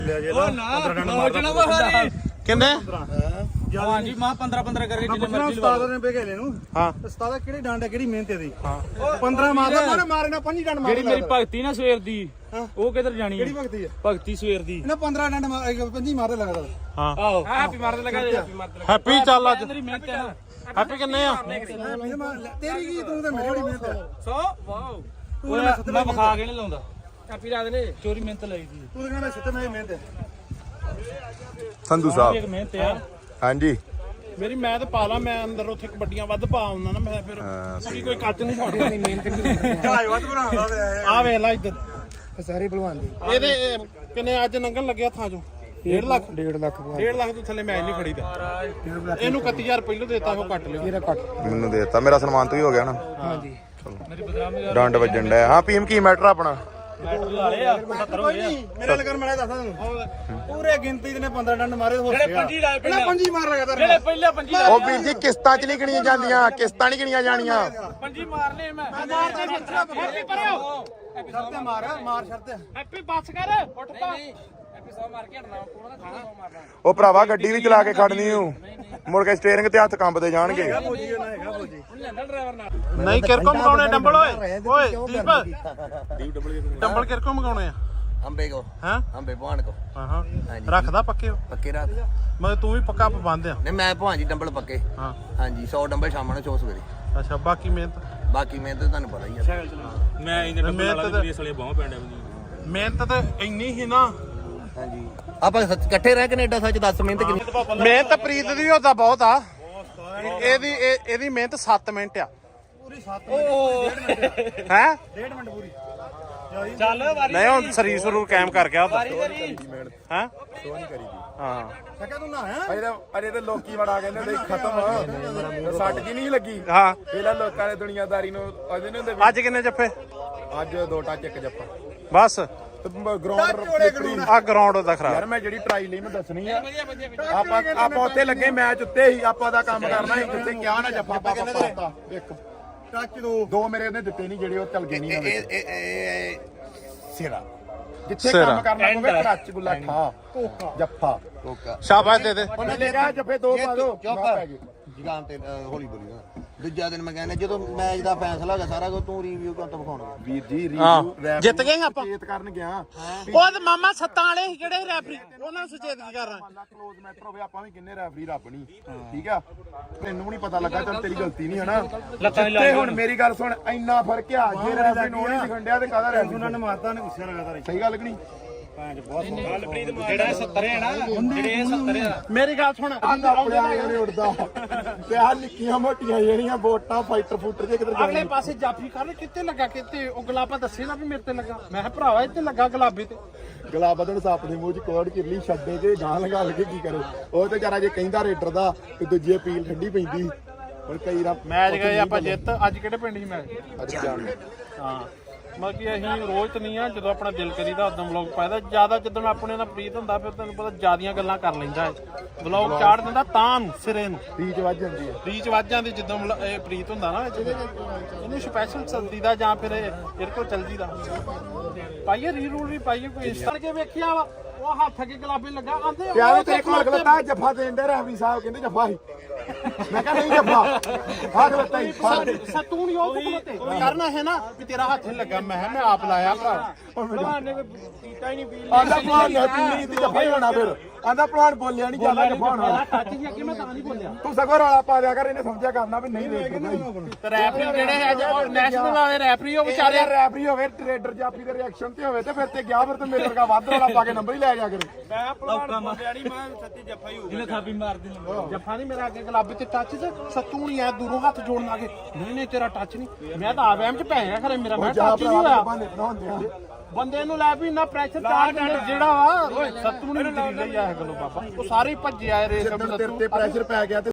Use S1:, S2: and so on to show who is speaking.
S1: ਕਿੰਨੇ
S2: ਹਾਂਜੀ ਮਾਂ 15 ਕਰਕੇ ਜਿੰਨੇ ਮਰਜ਼ੀ
S3: ਉਸਤਾਦ ਨੇ ਬੇਗੇ ਲੈ ਨੂੰ
S1: ਹਾਂ
S3: ਉਸਤਾਦ ਕਿਹੜੀ ਡੰਡ ਹੈ ਕਿਹੜੀ ਮਿਹਨਤ ਦੀ 15 ਮਾਰਦਾ ਮਾਰੇ ਨਾ 5 ਡੰਡ ਮਾਰ
S2: ਜਿਹੜੀ ਮੇਰੀ ਭਗਤੀ ਨਾ ਸਵੇਰ ਦੀ ਉਹ ਕਿੱਧਰ ਜਾਣੀ
S3: ਕਿਹੜੀ ਭਗਤੀ ਹੈ
S2: ਭਗਤੀ ਸਵੇਰ ਦੀ
S3: ਇਹਨਾਂ 15 ਡੰਡ 5 ਮਾਰਦੇ ਲੱਗਦਾ
S1: ਹਾਂ
S2: ਆਹੋ ਹੈਪੀ ਮਾਰਦੇ ਲਗਾ ਦੇ ਹੈਪੀ ਮਾਰਦੇ
S1: ਹੈਪੀ ਚੱਲ ਅੱਜ
S2: ਮੇਰੀ ਮਿਹਨਤ ਹੈ ਨਾ
S1: ਹੈਪੀ ਕਿੰਨੇ ਆ
S3: ਤੇਰੀ ਕੀ ਤੂੰ ਤੇ ਮੇਰੀ ਬੜੀ ਮਿਹਨਤ ਹੈ
S2: 100 ਵਾਓ ਮੈਂ ਵਿਖਾ ਕੇ ਨਹੀਂ ਲਾਉਂਦਾ ਹੈਪੀ ਰਾਤ ਨੇ ਚੋਰੀ ਮਿਹਨਤ ਲਈ ਦੀ
S3: ਤੂੰ ਕਹਿੰਦਾ ਮੈਂ ਸਿੱਧਾ ਮੇਰੀ ਮਿਹਨਤ ਹੈ
S1: ਸੰਧੂ
S2: ਇੱਕ
S1: ਸਾਹਿਬ
S2: ਮਿਹਨਤ ਆ
S1: ਹਾਂਜੀ
S4: ਮੇਰੀ ਮੈਂ ਤੇ ਪਾ ਲਾ ਮੈਂ ਅੰਦਰ ਉੱਥੇ ਕਬੱਡੀਆਂ ਵੱਧ ਪਾ ਆਉਂਦਾ ਨਾ ਮੈਂ ਫਿਰ ਕੋਈ ਕੱਚ ਨਹੀਂ ਫੜਦਾ ਨਹੀਂ ਮਿਹਨਤ ਨਹੀਂ
S3: ਝਾਈ ਵੱਧ ਬਣਾਉਂਦਾ
S4: ਆ ਵੇਖ ਲੈ ਇੱਧਰ
S3: ਸਾਰੇ ਭਲਵਾਨ ਦੇ
S4: ਇਹਦੇ ਕਿੰਨੇ ਅੱਜ ਲੰਘਣ ਲੱਗਿਆ ਥਾਂ ਚੋਂ 1.5 ਲੱਖ
S3: 1.5 ਲੱਖ
S4: 1.5 ਲੱਖ ਤੋਂ ਥੱਲੇ ਮੈਚ ਨਹੀਂ ਖੜੀਦਾ ਇਹਨੂੰ 31000 ਪਹਿਲੋਂ ਦੇਤਾ ਉਹ ਕੱਟ ਲਿਓ
S3: ਤੇਰਾ ਕੱਟ
S1: ਮੈਨੂੰ ਦੇਤਾ ਮੇਰਾ ਸਨਮਾਨ ਤੋਂ ਹੀ ਹੋ ਗਿਆ ਨਾ
S3: ਹਾਂਜੀ
S2: ਮੇਰੀ ਬਦਨਾਮੀ
S1: ਡੰਡ ਵੱਜਣ ਡਿਆ ਹਾਂ ਪੀਮ ਕੀ ਮੈਟਰ ਆਪਣਾ
S2: ਮੈਟਰ ਲਾ ਲਏ ਆ 70 ਹੋ ਗਏ ਆ
S3: ਮੇਰੇ ਲਗਨ ਮੈਂ ਦੱਸਦਾ ਤੁਹਾਨੂੰ ਪੂਰੇ ਗਿਣਤੀ ਦੇ ਨੇ 15 ਡੰਡ ਮਾਰੇ ਹੋ
S2: ਜਿਹੜੇ ਪੰਜੀ ਲਾਏ
S3: ਪਹਿਲਾਂ 5 ਮਾਰ ਲਗਾ
S2: ਜਿਹੜੇ ਪਹਿਲੇ ਪੰਜੀ
S1: ਉਹ ਵੀਰ ਜੀ ਕਿਸ਼ਤਾਂ ਚ ਨਹੀਂ ਗਿਣੀਆਂ ਜਾਂਦੀਆਂ ਕਿਸ਼ਤਾਂ ਨਹੀਂ ਗਿਣੀਆਂ ਜਾਣੀਆਂ
S2: ਪੰਜੀ ਮਾਰ ਲਏ ਮੈਂ ਮਾਰ ਦੇ ਹੈਪੀ ਪਰਿਓ ਹੈਪੀ
S3: ਸ਼ਰਤੇ ਮਾਰ ਸ਼ਰਤੇ
S2: ਹੈਪੀ ਬੱਸ ਕਰ ਉੱਠ ਪਾ ਹੈਪੀ 100 ਮਾਰ ਕੇ ਹਟਣਾ ਕੋਣਾ ਦਾ ਖਾਣਾ 100 ਮਾਰਨਾ
S1: ਉਹ ਭਰਾਵਾ ਗੱਡੀ ਵੀ ਚਲਾ ਕੇ ਖੜਨੀ ਹੂੰ ਮੁੜ ਕੇ ਸਟੀਅਰਿੰਗ ਤੇ ਹੱਥ ਕੰਬਦੇ ਜਾਣਗੇ
S3: ਫੌਜੀ ਨਾ ਹੈਗਾ ਫੌਜੀ
S2: ਹੁਣ ਲੈਂਦਾ ਡਰਾਈਵਰ ਨਾਲ
S4: ਨਹੀਂ ਕਿਰਕੋ ਮਗਾਉਣੇ ਡੰਬਲ ਓਏ ਦੀਪ ਡੰਬਲ ਕਿਰਕੋ ਮਗਾਉਣੇ ਆ
S5: अंबे को
S4: ਹਾਂ
S5: अंबे भवान को
S4: ਹਾਂ ਹਾਂ ਰੱਖਦਾ ਪੱਕੇ ਹੋ
S5: पक्के रात
S4: ਮਤਲਬ ਤੂੰ ਵੀ ਪੱਕਾ ਪਾਬੰਦ ਆ
S5: नहीं मैं भवान जी डंबल पक्के
S4: ਹਾਂ
S5: हाँ जी 100 डंबल शाम को 100 सवेरे
S4: ਅੱਛਾ ਬਾਕੀ ਮਿਹਨਤ
S5: बाकी मैं तो तुहानू पता ही है
S2: ਮੈਂ ਇਹਦੇ ਡੱਬੇ
S4: ਮਿਹਨਤ
S2: ਵਾਲਾ ਵੀ ਸਲੇ ਬਾਹਾਂ ਪੈਂਦਾ
S4: ਮਿਹਨਤ ਤਾਂ ਇੰਨੀ ਹੀ ਨਾ
S5: हाँ जी आप इकट्ठे रह कनेडा सच 10 मिनट कितनी
S4: ਮਿਹਨਤ ਪ੍ਰੀਤ ਦੀ ਉਹਦਾ ਬਹੁਤ ਆ ਇਹਦੀ ਮਿਹਨਤ 7 ਮਿੰਟ ਆ
S3: ਪੂਰੀ 7 ਮਿੰਟ
S4: ਹੈ
S3: 1.5 ਮਿੰਟ ਪੂਰੀ
S2: ਚੱਲ ਵਾਰੀ
S4: ਨਹੀਂ ਹੁਣ ਸਰੀਰ ਸਰੂਰ ਕਾਇਮ ਕਰ ਗਿਆ ਉਹਦਾ
S2: ਵਾਰੀ
S4: ਹੈ ਹਾਂ
S3: ਸਕਿਆ ਤੂੰ ਨਾ ਹੈ
S6: ਅਰੇ ਤੇ ਲੋਕੀ ਬੜਾ ਕਹਿੰਦੇ ਨੇ ਖਤਮ ਸੱਟ ਜੀ ਨਹੀਂ ਲੱਗੀ
S4: ਹਾਂ
S6: ਪਹਿਲਾਂ ਲੋਕਾਂ ਨੇ ਦੁਨੀਆਦਾਰੀ ਨੂੰ ਅਜੇ ਨਹੀਂ ਹੁੰਦੇ
S4: ਅੱਜ ਕਿੰਨੇ ਜੱਫੇ
S6: ਅੱਜ 2 ਟੱਚ 1 ਜੱਫਾ
S4: ਬਸ
S6: ਗਰਾਊਂਡ
S4: ਆ ਗਰਾਊਂਡ ਦਾ ਖਰਾਬ
S6: ਯਾਰ ਮੈਂ ਜਿਹੜੀ ਟਰਾਈ ਲਈ ਮੈਂ ਦੱਸਣੀ ਆ ਆਪਾਂ ਉੱਥੇ ਲੱਗੇ ਮੈਚ ਉੱਤੇ ਹੀ ਆਪਾਂ ਦਾ ਕੰਮ ਕਰਨਾ ਸੀ ਜਿੱਥੇ ਕਿਹਾ ਨਾ ਜੱਫਾ ਆਪਾਂ ਪਾਤਾ ਇੱਕ
S3: ਟੱਚ
S6: ਦੋ ਮੇਰੇ ਉਹਨੇ ਦਿੱਤੇ ਨਹੀਂ ਜਿਹੜੇ ਉਹ ਚੱਲ ਗਏ ਨਹੀਂ ਸਿਰਾ ਜਿੱਥੇ
S4: ਸਿਰਾ।
S6: ਕੰਮ ਕਰਨਾ ਪਵੇ ਟੱਚ ਗੁੱਲਾ ਖਾ ਜੱਫਾ
S4: ਸ਼ਾਬਾਸ਼ ਦੇ ਦੇ
S6: ਉਹਨੇ ਲੈ ਗਿਆ ਜੱਫੇ 2 ਪਾ ਦੋ ਪੈ ਗਏ
S5: जुगाम ते हौली बोली दूजा दिन मैं कहना जो मैच का फैसला होगा सारा कुछ तू रिव्यू कर तो विखाउणा
S6: ਵੀਰ ਜੀ
S4: ਹਾਂ ਜਿੱਤ ਗਏ ਆਪਾਂ
S6: ਚੇਤ ਕਰਨ ਗਿਆ
S4: ਉਹ ਤੇ ਮਾਮਾ ਸੱਤਾਂ ਵਾਲੇ ਸੀ ਕਿਹੜੇ ਰੈਫਰੀ ਉਹਨਾਂ ਨੂੰ ਸੁਚੇਤ ਕੀ ਕਰ ਰਹਾ
S6: ਕਲੋਜ਼ ਮੈਟਰ ਹੋਵੇ ਆਪਾਂ ਵੀ ਕਿੰਨੇ ਰੈਫਰੀ ਰੱਬ ਨਹੀਂ ਠੀਕ ਆ ਮੈਨੂੰ ਵੀ ਨਹੀਂ ਪਤਾ ਲੱਗਾ ਚੱਲ ਤੇਰੀ ਗਲਤੀ ਨਹੀਂ ਹਨਾ ਤੇ ਹੁਣ ਮੇਰੀ ਗੱਲ ਸੁਣ ਇੰਨਾ ਫਰਕ ਆ ਜੇ ਰੈਫਰੀ ਨੂੰ ਨਹੀਂ ਸਿਖੰਡਿਆ ਤੇ ਕਾਹਦਾ ਰੈਫਰੀ
S3: ਉਹਨਾਂ ਨੇ ਮਾਰਤਾ ਨੇ ਗੁੱਸੇ ਲਗਾਤਾਰ
S6: ਸਹੀ ਗੱਲ ਕਿ ਨਹੀਂ
S2: ਜਿਹੜਾ 70 ਹੈ ਨਾ ਜਿਹੜੇ 70 ਆ
S4: ਮੇਰੀ ਗੱਲ ਸੁਣ
S6: ਆਂਦਾ ਪੜਿਆ ਨਹੀਂ ਉੱਡਦਾ ਤੇ ਆ ਨਿੱਕੀਆਂ ਮੋਟੀਆਂ ਜਿਹੜੀਆਂ ਵੋਟਾਂ ਫਾਈਟਰ ਫੂਟਰ ਜੇ ਕਿਧਰ
S4: ਅਗਲੇ ਪਾਸੇ ਜਾਫੀ ਕਰ ਕਿੱਥੇ ਲੱਗਾ ਕਿੱਥੇ ਉਹ ਗੁਲਾਬਾ ਦੱਸੇ ਨਾ ਵੀ ਮੇਰੇ ਤੇ ਲੱਗਾ ਮੈਂ ਕਿਹਾ ਭਰਾਵਾ ਇੱਥੇ ਲੱਗਾ ਗੁਲਾਬੀ ਤੇ
S6: ਗਲਾਬਾ ਤੋਂ ਸੱਪ ਦੇ ਮੂੰਹ 'ਚ ਕੋੜ ਕਿਰਲੀ ਛੱਡੇ ਜੇ ਗਾਂ ਲਗਾ ਲਗੇ ਕੀ ਕਰੇ ਉਹ ਤੇ ਵਿਚਾਰਾ ਜੇ ਕਹਿੰਦਾ ਰੇਡਰ ਦਾ ਤੇ ਦੂਜੀ ਅਪੀਲ ਠੰਡੀ ਪੈਂਦੀ ਹੁਣ ਕਈ ਰਾ
S4: ਮੈਚ ਗਏ ਆਪਾਂ ਜਿੱਤ ਅੱਜ ਕਿਹੜੇ ਪਿੰਡ ਸੀ ਮੈਚ
S6: ਅੱਜ ਜਾਣ
S4: ਹਾਂ ਮਤਲਬ ਕਿ ਅਸੀਂ ਰੋਜ਼ ਤਾਂ ਨਹੀਂ ਆ ਜਦੋਂ ਆਪਣਾ ਦਿਲ ਕਰੀਦਾ ਉਦੋਂ ਵਲੌਗ ਪਾਇਦਾ ਜਿਆਦਾ ਜਦੋਂ ਆਪਣੇ ਨਾਲ ਪ੍ਰੀਤ ਹੁੰਦਾ ਫਿਰ ਤੈਨੂੰ ਪਤਾ ਜਿਆਦੀਆਂ ਗੱਲਾਂ ਕਰ ਲੈਂਦਾ ਹੈ ਵਲੌਗ ਚਾੜ ਦਿੰਦਾ ਤਾਂ ਨੂੰ ਸਿਰੇ ਨੂੰ
S6: ਰੀਚ ਵੱਜ ਜਾਂਦੀ ਹੈ
S4: ਰੀਚ ਵੱਜ ਜਾਂਦੀ ਜਦੋਂ ਇਹ ਪ੍ਰੀਤ ਹੁੰਦਾ ਨਾ ਇਹਨੂੰ ਸਪੈਸ਼ਲ ਚਲਦੀ ਦਾ ਜਾਂ ਫਿਰ ਇਹਦੇ ਕੋਲ ਚਲਦੀ ਦਾ ਪਾਈਏ ਰੀ ਰੂਲ ਵੀ ਪਾਈਏ ਕੋਈ ਇੰਸਟਾ ਕੇ ਵੇਖਿਆ ਵਾ ਉਹ ਹੱਥ ਅੱਗੇ ਗੁਲਾਬੀ ਲੱਗਾ ਆਂਦੇ
S6: ਯਾਰ ਤੇ ਇੱਕ ਮਗਲਤਾ ਜੱਫਾ ਦੇਣ ਦੇ ਰੈਫਰੀ ਸਾਹਿਬ ਕਹਿੰਦੇ ਜੱਫਾ ਹੀ ਮੈਂ ਕਹਿੰਦਾ ਨਹੀਂ ਜੱਫਾ ਹੱਥ ਲੱਤਾ ਹੀ
S4: ਸਤੂ ਨਹੀਂ ਉਹ ਤੇ ਕਰਨਾ ਹੈ ਨਾ ਵੀ ਤੇਰਾ ਹੱਥ ਲੱਗਾ ਮੈਂ ਆਪ ਲਾਇਆ ਭਰਾ
S2: ਭਲਵਾਨ ਨੇ ਕੀਤਾ ਹੀ ਨਹੀਂ ਫੀਲ
S6: ਆਂਦਾ ਭਲਵਾਨ ਨੇ ਪੀਲੀ ਦੀ ਜੱਫਾ ਹੀ ਹੋਣਾ ਫਿਰ ਆਂਦਾ ਭਲਵਾਨ ਬੋਲਿਆ ਨਹੀਂ ਜਿਆਦਾ ਜੱਫਾ ਹੋਣਾ
S4: ਟੱਚ ਹੀ ਅੱਗੇ ਮੈਂ ਤਾਂ ਨਹੀਂ ਬੋਲਿਆ
S6: ਤੂੰ ਸਗੋਂ ਰੌਲਾ ਪਾ ਦਿਆ ਕਰ ਇਹਨੇ ਸਮਝਿਆ ਕਰਨਾ ਵੀ ਨਹੀਂ ਰੇਡਰ
S4: ਤੇ ਰੈਫਰੀ ਜਿਹੜੇ ਹੈ ਜੋ ਨੈਸ਼ਨਲ ਵਾਲੇ ਰੈਫਰੀ ਉਹ ਵਿਚਾਰੇ
S6: ਰੈਫਰੀ ਹੋਵੇ ਟ੍ਰੇਡਰ ਜਾਫੀ ਦੇ ਰਿਐਕਸ਼ਨ ਤੇ ਹੋਵੇ ਤੇ ਫਿਰ ਤੇ ਗਿਆ ਫਿਰ ਤੇ ਮੇਰੇ ਵਰਗਾ ਵੱਧ ਰੌਲਾ ਪਾ ਕੇ ਨੰਬਰ ਹੀ ਲੈ ਜਾ ਕਰੇ
S2: ਮੈਂ ਭਲਵਾਨ ਬੋਲਿਆ ਨਹੀਂ ਮੈਂ ਸੱਚੀ ਜੱਫਾ ਹੀ ਹੋ ਗਿਆ ਜਿਹਨੇ ਥਾਪੀ ਮਾਰ ਦਿੱਤੀ
S4: ਜੱਫਾ ਨਹੀਂ ਮੇਰਾ ਅੱਗੇ ਗੁਲਾਬੀ ਤੇ ਟੱਚ ਤੇ ਸੱਤੂ ਨਹੀਂ ਆ ਦੂਰੋਂ ਹੱਥ ਜੋੜਨ ਲੱਗੇ ਨਹੀਂ ਤੇਰਾ ਟੱਚ ਨਹੀਂ ਮੈਂ ਤਾਂ ਆਵੈਮ ਚ ਪੈ ਗਿਆ ਖਰੇ ਮੇਰਾ ਮੈਂ ਟੱਚ ਨਹੀਂ ਹੋਇਆ ਬੰਦੇ ਨੂੰ ਲੈ ਵੀ ਇੰਨਾ ਪ੍ਰੈਸ਼ਰ ਚਾਰ ਜਿਹੜਾ ਵਾ ਸੱਤੂ ਨਹੀਂ ਤੇਰੀ ਲਈ ਆ ਗੱਲੋਂ ਬਾਬਾ ਉਹ ਸਾਰੇ ਭੱਜੇ ਆਏ ਰੇਸ
S6: ਤੇਰੇ ਤੇ ਪ੍ਰੈਸ਼ਰ ਪੈ ਗਿਆ ਤੇ